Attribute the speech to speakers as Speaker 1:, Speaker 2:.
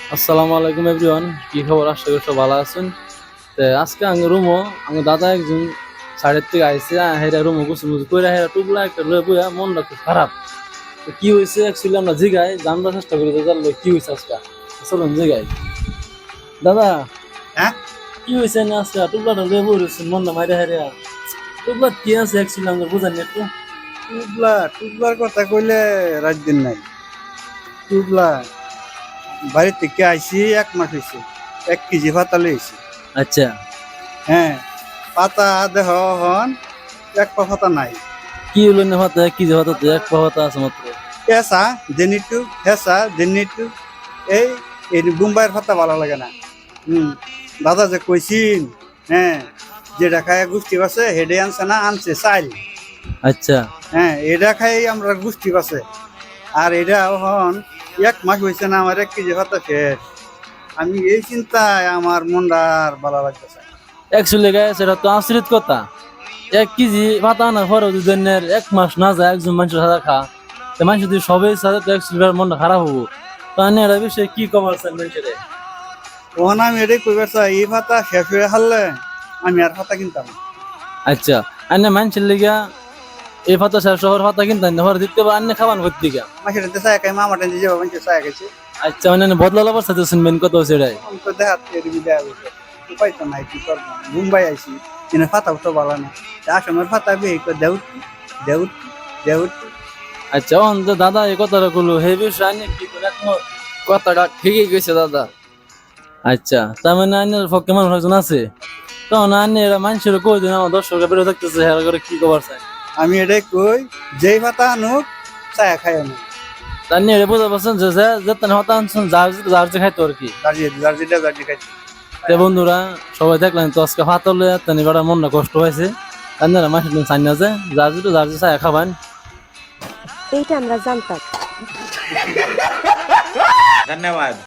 Speaker 1: আসসালামু আলাইকুম এভরিওয়ান, কি খবর? আশা করি সব ভালো আছেন। আজকে আমি রুমো আমার দাদা একজন সাইডের থেকে আইসে হেরা রুমো গুছু মুছু কইরা হেরা টুকলা একটা লয়ে বইয়া মনটা খুব খারাপ। তো কি হয়েছে অ্যাকচুয়ালি আমরা জিগাই জানবার চেষ্টা করি যে জানলো কি হয়েছে আজকে। চলুন জিগাই। দাদা,
Speaker 2: হ্যাঁ,
Speaker 1: কি হয়েছে না আজকে টুকলাটা লয়ে বই রয়েছেন মনটা মাইরা হেরা? টুকলা কি আছে অ্যাকচুয়ালি আমরা বুঝানি একটু।
Speaker 2: টুবলার কথা কইলে রাত দিন নাই। টুবলা বাড়ি থেকে আইসি 1 মাস হয়েছে, 1 কেজি পাতা লইছি।
Speaker 1: আচ্ছা,
Speaker 2: হ্যাঁ, পাতা দেহ হন 1 পা পাতা নাই।
Speaker 1: কি হলো না হতে কি যে হতে এক পাহতা আছে মাত্র।
Speaker 2: হেসা দেনিটু হেসা দেনিটু এই এই বুম্বাইয়ের পাতা ভালো লাগে না। দাদা যে কইছিন, হ্যাঁ, যেটা খায় গোষ্ঠী বাসে হেডে আনছে না, আনছে চাইল।
Speaker 1: আচ্ছা,
Speaker 2: হ্যাঁ, এটা খাই আমরা গোষ্ঠী বাসে। আর এটা এখন 1 মাস হয়েছে না, আমার 1 কেজি ভাতা শেষ। আমি এই চিন্তায় আমার মনটা আর ভালো লাগতেছে।
Speaker 1: অ্যাকচুয়ালি গায়ে সেটা তো আশ্রিত কথা। 1 কেজি ভাত আনার পরেও যদি অন্যের 1 মাস না যায় একজন মানুষের সাদা খা, তো মানুষ যদি সবাই সাথে তো অ্যাকচুয়ালি মনটা খারাপ হবো। তো আমি এটা বিষয়ে কি কমার চান মানুষের?
Speaker 2: তখন আমি এটাই কইবার চাই, এই ভাতা শেষ হয়ে হারলে আমি আর ভাতা কিনতাম না।
Speaker 1: আচ্ছা, আন্নে মানুষের লিগা এই ভাতা শহর ভাতা কিনতে ঘরে দিতে পারে আন্নে খাবার করতে গা।
Speaker 2: মাসের চায় খাই, মামাটা যে মানুষের চায় খাইছে।
Speaker 1: আচ্ছা, মানে বদলালো অবস্থা তো শুনবেন কত সেটাই।
Speaker 2: আমি তো দেখাতে এরবি দেয়া গেছে, উপায় তো নাই, কি করবো। মুম্বাই আইসি, কিন্তু ভাতাও তো ভালো না। আসামের ভাতা বিয়ে করে দেউতি দেউতি দেউতি।
Speaker 1: আচ্ছা, অন তো দাদা এই কথাটা বললো হে বিষয়ে আন্নে কি করে একমত?
Speaker 3: কথাটা ঠিকই কইছে দাদা।
Speaker 1: আচ্ছা, তার মানে আন্নের পক্ষে মানুষ একজন আছে। তখন আন্নে এরা মানুষের কই দিন আমার দর্শকের বেরো থাকতেছে হেরা করে কি কবার চাই।
Speaker 2: আমি এটাই কই, যেই ভাতা আনুক চায় খাই আনুক।
Speaker 1: তার নিয়ে বুঝতে পারছেন যে যেতেন হতাংশ যার যে খাইতো আর কি।
Speaker 2: দার্জি খাইছে।
Speaker 1: তে বন্ধুরা, সবাই দেখলেন তো আজকে ভাত হলে তেনি বেড়ার মনটা কষ্ট হয়েছে। তার নিয়ে মাসের দিন চাই না যে যার যে চাই খাবেন।
Speaker 4: এইটা আমরা জানতাম।
Speaker 5: धन्यवाद।